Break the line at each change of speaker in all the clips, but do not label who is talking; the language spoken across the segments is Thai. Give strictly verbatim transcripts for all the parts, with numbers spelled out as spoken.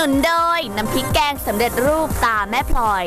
นุนโดยน้ำพริกแกงสำเร็จรูปตาแม่พลอย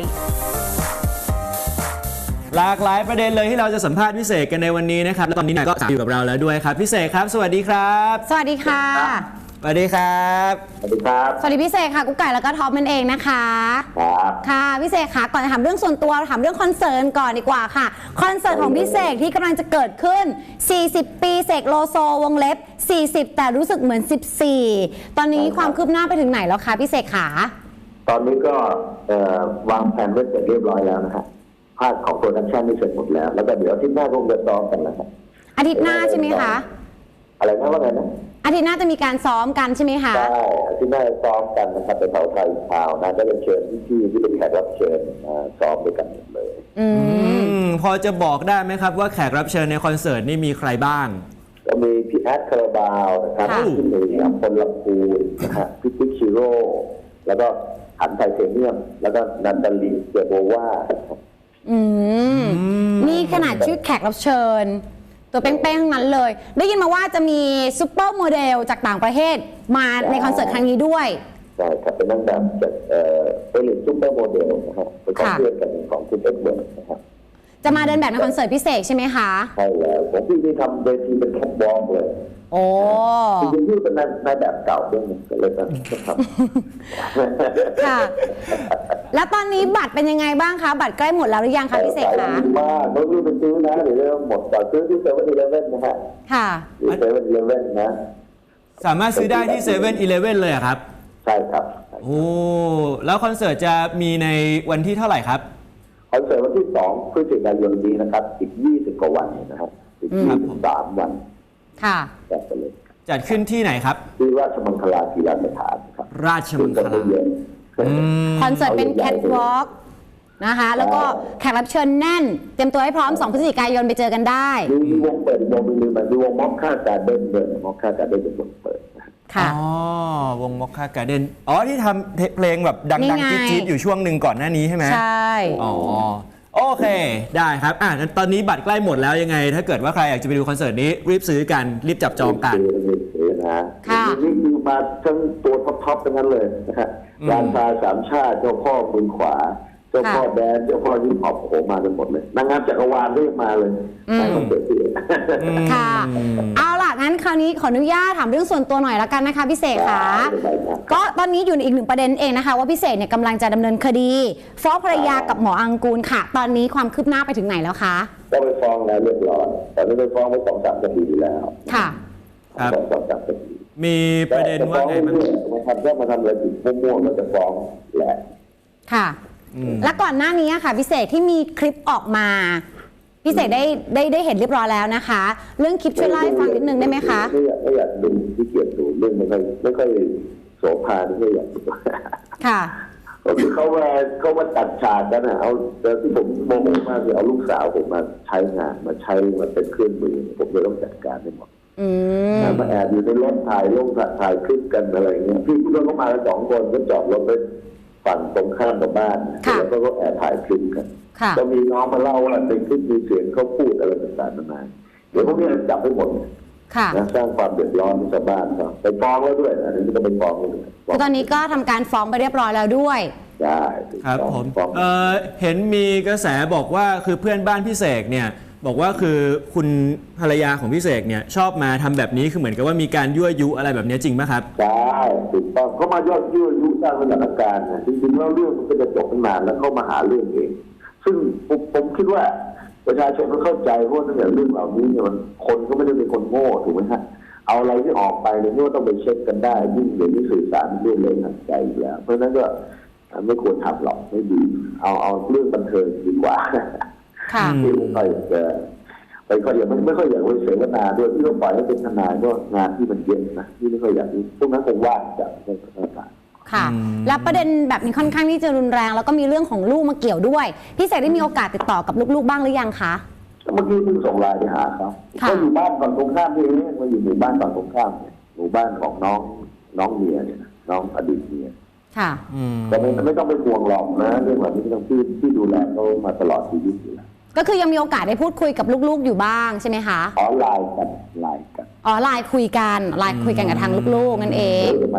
หลากหลายประเด็นเลยที่เราจะสัมภาษณ์พี่เสกกันในวันนี้นะครับและตอนนี้นายก็อยู่กับเราแล้วด้วยครับพี่เสกครับสวัสดีครับ
สวัสดีค่ะ
สวัสดีครับ
สวัสดีครับ
สวัสดีพี่เสกค่ะกุ๊กไก่แล้วก็ท็อปนั่นเองนะคะ
ครับ
ค่ะพี่เสกค่ะก่อนจะถามเรื่องส่วนตัวถามเรื่องคอนเสิร์ตก่อนดีกว่าค่ะคอนเสิร์ตของพี่เสกที่กำลังจะเกิดขึ้นสี่สิบปีเสกโลโซวงเล็บสี่สิบแต่รู้สึกเหมือนสิบสี่ตอนนี้ความคืบหน้าไปถึงไหนแล้วคะพี่เสกขา
ตอนนี้ก็วางแผนไว้เสร็จเรียบร้อยแล้วนะครับภาคของโปรดักชันนี่เสร็จหมดแล้วแล้วก็เดี๋ยวอาทิตย์หน้าคงจะซ้อมกันนะครับ
อาทิตย์หน้าใช่ไหมคะ
อะไรนะว่าไงนะ
อาทิตย์หน้าจะมีการซ้อมกันใช่ไหมคะ
ใช่อาทิตย์หน้าซ้อมกันนะครับไปเผาไทยข่าวนะจะเป็นเชิญที่ที่เป็นแขกรับเชิญซ้อมด้วยกันเลย
อืมพอจะบอกได้ไหมครับว่าแขกรับเชิญในคอนเสิร์ตนี่มีใครบ้าง
ก็มีพี่แอดคาราบาวนะครับพี่หนุ่ยอัมพลลำพูนนะฮะพี่ติ๊กชิโร่แล้วก็หันไทเทเนียมแล้วก็นันดาลีเจโบวา
อืมนี่ขนาดชื่อแขกรับเชิญตัวเป้งๆทั้งนั้นเลยได้ยินมาว่าจะมีซุปเปอร์โมเดลจากต่างประเทศมาในคอนเสิร์ตครั้งนี้ด้วย
ใช่ครับเป็นนางแบบจากเอ่อเป็นซุปเปอร์โมเดลนะครับเป็นของเพื่อนกันของคุณเอ็กเบิร์ดนะครับ
จะมาเดินแบบในคอนเสิร์ตพิเศษใช่ไหมคะ
ใช่แล้วผมพี่นี่ทำเวทีเป็นแคทวอล์กเลย
โอ้
จริงๆพี่เป็นนายแบบเก่าด้วยก็เลยต้องทำ
ค่ะแล้วตอนนี้บัตรเป็นยังไงบ้างคะบัตรใกล้หมดแล้วหรือยังคะพี่เสกคะ
มากต้องรีบไปซื้อนะเดี๋ยวจะหมดก่อนซื้อที่เซเว่นอีเลฟเว่นนะฮะ
ค่ะ
เซเว่นอีเลฟเว่นนะ
สามารถซื้อได้ที่เซเว่นอีเลฟเว่นเลยครับ
ใช่ครับ
โอ้แล้วคอนเสิร์ตจะมีในวันที่เท่าไหร่ครับ
คอนเสิร์ตวันที่สองพฤศจิกายนนี้นะครับอีกยี่สิบกว่าวันนะครับอีกยี่สิบสามวัน
ค่ะ
จัดไปเลย
จัดขึ้นที่ไหนครับ
ที่ราชมังคลากีฬาสถานครับ
ราชมังคลา
คอนเสิร์ตเป็นแคทวอล์กนะคะแล้วก็แขกรับเชิญแน่นเตรียมตัวให้พร้อมสองพฤศจิกายนไปเจอกันได้
มีวงเปิดวงมีมันมีวงม็อกค่าการเดินเดินม็อกค่าการเดินเป็นวงเปิด
ค่ะ
อ๋อวงม็อกค่าการเดินอ๋อที่ทำเพลงแบบดังๆจี๊ดๆอยู่ช่วงหนึ่งก่อนหน้านี้ใช่ไหม
ใช่
อ๋อโอเคได้ครับอ่ะตอนนี้บัตรใกล้หมดแล้วยังไงถ้าเกิดว่าใครอยากจะไปดูคอนเสิร์ตนี้รีบซื้อกันรีบจับจองกัน
นะนี่คือมาทั้งตัวท็อปๆทั้งนั้นเลยนะฮะรานตาสามชาติเจ้าพ่อมือขวาเจ้าพ่อแดนเจ้าพ่อยิ้มออกโผมากันหมดเลยนางงามจักรวาลเรียกมาเลยในคอนเสิร์ตที่
ค่ะเอาล่ะงั้นคราวนี้ขออนุญาตถามเรื่องส่วนตัวหน่อยละกันนะคะพี่เสกค่ะก็ตอนนี้อยู่ในอีกหนึ่งประเด็นเองนะคะว่าพี่เสกเนี่ยกำลังจะดำเนินคดีฟ้องภรรยากับหมออังกูลค่ะตอนนี้ความคืบหน้าไปถึงไหนแล้วคะ
ก็ไปฟ้องแล้วเรียบร้อยแต่ไม่ได้ฟ้องไปสองสามคดีแล้ว
ค่ะ
สองสามคดี
มีประเด็นว่าไงมัน
มาทำก็มาทำอะไรผิดมั่วๆก็จะฟ้องแหละ
ค่ะและก่อนหน้านี้ค่ะพี่เสกที่มีคลิปออกมาพี่เสกได้ได้ได้เห็นเรียบร้อยแล้วนะคะเรื่องคลิปช่วยเล่าให้ฟังนิดนึงได้ไหมคะ
ไม่อยากไม่อยากดูที่เกียรติดูเรื่องไม่ค่อยไม่ค่อยโสภาไม่อยากดู
ค่ะ
ก็คือเขามาเขามาตัดฉากกันนะเอาแต่ที่ผมโมโหมากคือเอาลูกสาวผมมาใช้งานมาใช้มาเป็นเครื่องมือผมเลยต้องจัดการให้หมดมาแอบอยู่ในรถถ่ายลงถ่ายคลิปกันอะไรเงี้ยพี่พี่เขามาแล้วสองคนก็จอดรถไปฝั่งตรงข้ามกับบ้านแล้วก็แอบถ่ายคลิปกันก็มีน้องมาเล่าว่าในคลิปมีเสียงเขาพูดอะไรต่างๆนานาเดี๋ยวพวกนี้จับไปหมดนะสร้างความเดือดร้อนให้ชาวบ้านเขาไปฟ้องแล้วด้วยอันนี้ก็ไปฟ้องเลย
ตอนนี้ก็ทำการฟ้องไปเรียบร้อยแล้วด้วย
ใช่
ครับผมเอ่อเห็นมีกระแสบอกว่าคือเพื่อนบ้านพี่เสกเนี่ยบอกว่าคือคุณภรรยาของพี่เสกเนี่ยชอบมาทำแบบนี้คือเหมือนกับว่ามีการยั่วยุอะไรแบบนี้จริงไหมครับ
ใช่ถูกต้องเขามายอดยั่วยุสร้างสถานการณ์จริงๆแล้วเรื่องมันก็จะจบตั้งนานแล้วเขามาหาเรื่องเองซึ่งผมผมคิดว่าประชาชนก็เข้าใจเพราะว่าเรื่องเหล่านี้เนี่ยมันคนก็ไม่ได้เป็นคนโง่ถูกไหมฮะเอาอะไรที่ออกไปเนี่ยก็ต้องไปเช็คกันได้ยิ่งเดี๋ยวนี้สื่อสารเรื่องเลยทันใจอยู่แล้วเพราะฉะนั้นก็ไม่ควรทำหรอกไม่ดีเอาเอาเรื่องบันเทิงดีกว่าที่ไม่ค่อยจะไปก็อย่างไม่ไม่ค่อยอยากไปเสวนาด้วยที่ต้องปล่อยให้เป็นทนายก็งานที่มันเย็นนะที่ไม่ค่อยอยากนี้พวกนั้นคงว่างจากในสถานการณ์
ค่ะและประเด็นแบบนี้ค่อนข้างที่จะรุนแรงแล้วก็มีเรื่องของลูกมาเกี่ยวด้วยพี่เสกได้มีโอกาสติดต่อกับลูกๆบ้างหรือยังคะ
เมื่อกี้เพิ่งส่งไลน์ไปหาเขาเขาอยู่บ้านฝั่งตรงข้ามที่นี่เขาอยู่หมู่บ้านฝั่งตรงข้ามเนี่ยหมู่บ้านของน้องน้องเมียเนี่ยน้องอดีตเมีย
ค่ะ
แต่ไม่ไม่ต้องไปห่วงหรอกนะเรื่องแบบนี้ต้องที่ที่ดูแลเขามาตลอดชีวิตอยู่แล้ว
ก็คือยังมีโอกาสได้พูดคุยกับลูกๆอยู่บ้างใช่ไหมคะ
อ๋อไลน์กันไลน์กัน
อ๋อไลน์คุยกันไลน์คุยกันกับทางลูกๆนั่นเอง
สมัยนี้ก็ไม่ต้อง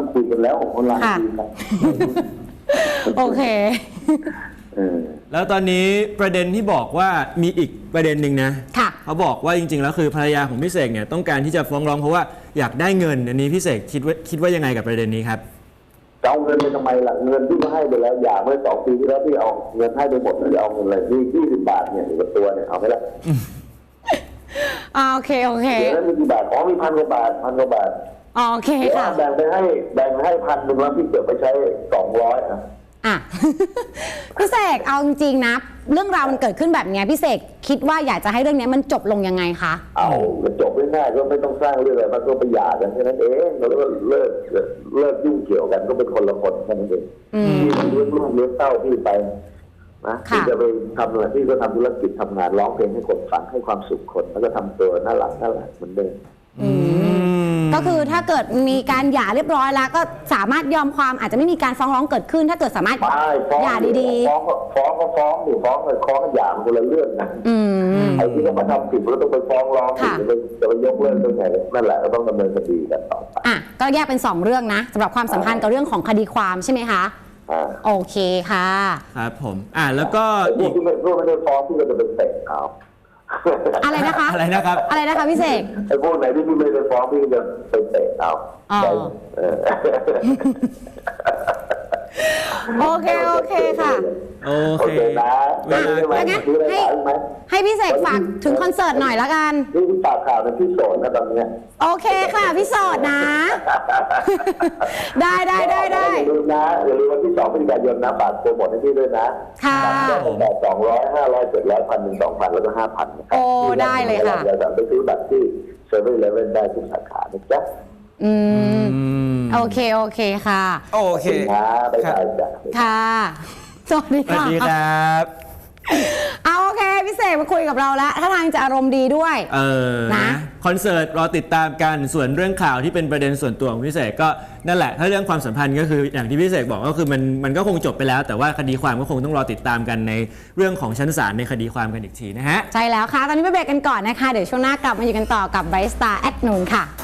คุยกันแล้วคนไลน์
ค่ะ
คุยกัน
โอเค
เออ
แล้วตอนนี้ประเด็นที่บอกว่ามีอีกประเด็นหนึ่งนะ
ค่ะ
เขาบอกว่าจริงๆแล้วคือภรรยาของพี่เสกเนี่ยต้องการที่จะฟ้องร้องเพราะว่าอยากได้เงินอันนี้พี่เสกคิดว่าคิดว่ายังไงกับประเด็นนี้ครับ
จะเอาเงินไปทำไมล่ะเงินที่มาให้ไปแล้วอย่าเมื่อสองปีที่แล้วที่เอาเงินให้ไปหมดแล้วจะเอาเงินอะไรที่ยี่สิบบาทเนี่ยอยู่กับตัวเนี่ยเอาไหมล่ะ
อ่าโอเคโอเค
เดี๋ยวนั้นมีกี่บาทอ๋อมีพันกว่าบาทพันกว่าบาท
อ๋อโอเค
เดี๋ยว
ค่ะ
แบ่งไปให้แบ่งไปให้พันหนึ่งแล้วพี่เก็บไปใช้สองร้อยอ่ะ
อ่ะ พี่เสกเอาจริงๆนะเรื่องราวมันเกิดขึ้นแบบเนี้ยพี่เสกคิดว่าอยากจะให้เรื่องเนี้ยมันจบลงยังไงคะ
เอาก็จบง่ายๆก็ไม่ต้องสร้างเรื่องอะไรมันก็ไปหย่ากันแค่นั้นเองแล้วก็เลิกเลิกยุ่งเกี่ยวกันก็เป็นคนละคนแค่นั้นเองพี่มันเลี้ยงลูกเลี้ยงเต้าพี่ไปนะพี่จะไปทำอะไรพี่ก็ทำธุรกิจทำงานร้องเพลงให้คนฟังให้ความสุขคนแล้วก็ทำตัวน่ารักน่ารักเหมือนเดิม
ก็คือถ้าเกิดมีการหย่าเรียบร้อยแล้ว ก็สามารถยอมความอาจจะไม่มีการฟ้องร้องเกิดขึ้น ถ้าเกิดสามารถ
ไม่ฟ้อง
หย่าดี
ฟ้องก็ฟ้องก็ฟ้องดิฟ้องเลยฟ้องก็หย่ามันคนละเรื่องนะ
ๆ อืม
ไอ้ที่เขามาทำผิดแล้วต้องไปฟ้องร้อง
ค่ะ
จะไปจะไปยกเลิกได้ไงนั่นแหละก็ต้องดำเนินคดีกันต่อไป
อ่ะก็แยกเป็นสองเรื่องนะสำหรับความสัมพันธ์กับเรื่องของคดีความใช่ไหมคะ
อ่า
โอเคค่ะ
ครับผมอ่าแล้วก็
ไอ้พว
อี
ก
ก
ที่ไม่พวกไม่ได้ฟ้องพี่ก็จะเป็นเตะเอา
อะไรนะคะ
อะไรนะครับ
อะไรนะคะพี่เสก
ไอ้พวกไหนที่พี่ไม่ได้ฟ้องพี่ก็จะไปเตะเอา
อ๋อ
เออ
โอเคโอเคค่ะ
โอ
โอ
เค
เคนะแล้วนี่ไหม
แล้วงั้น
ซื้ออะไร
ให้
ขายไหม
ให้พี่เสกฝากถึงคอนเสิร์ตหน่อยละกัน
นี่ที่ฝากข่าวเป็นที่โสดนะตอนเนี้ย
โอเคค่ะพี่โสดนะ ได้ได้ได้ได้
อย่าลืมนะอย่าลืมวันที่สองพฤศจิกายนนะฝากโปรโมทให้พี่ด้วยนะ
ค่ะ
ได้ตั้งแต่สองร้อยห้าร้อยเจ็ดร้อยพันหนึ่งสองพันแล้วก็ห้าพันนะครับ
โอ้ได้เลยค่ะ
เราจะไปซื้อบัตรที่เซเว่นอีเลฟเว่นได้ทุกสาขานะจ๊ะ
อืม
อืม
โอเคโอเคค่ะ
โอเค
นะบ๊ายบายจ้ะ
ค่ะ สวัสดี
สวัส
ค่ะ
ดีครับ
เอาโอเคพี่เสกมาคุยกับเราแล้วถ้าทางจะอารมณ์ดีด้วย
เออ
นะ
คอนเสิร์ตรอติดตามกันส่วนเรื่องข่าวที่เป็นประเด็นส่วนตัวของพี่เสกก็นั่นแหละถ้าเรื่องความสัมพันธ์ก็คืออย่างที่พี่เสกบอกก็คือมันมันก็คงจบไปแล้ว แต่ว่าคดีความก็คงต้องรอติดตามกันในเรื่องของชั้นศาลในคดีความกันอีกทีนะฮะ
ใช่แล้วค่ะ ตอนนี้ไปเบรกกันก่อนนะคะ เดี๋ยวช่วงหน้ากลับมาอยู่กันต่อกับไบรท์สตาร์แอดนูนค่ะ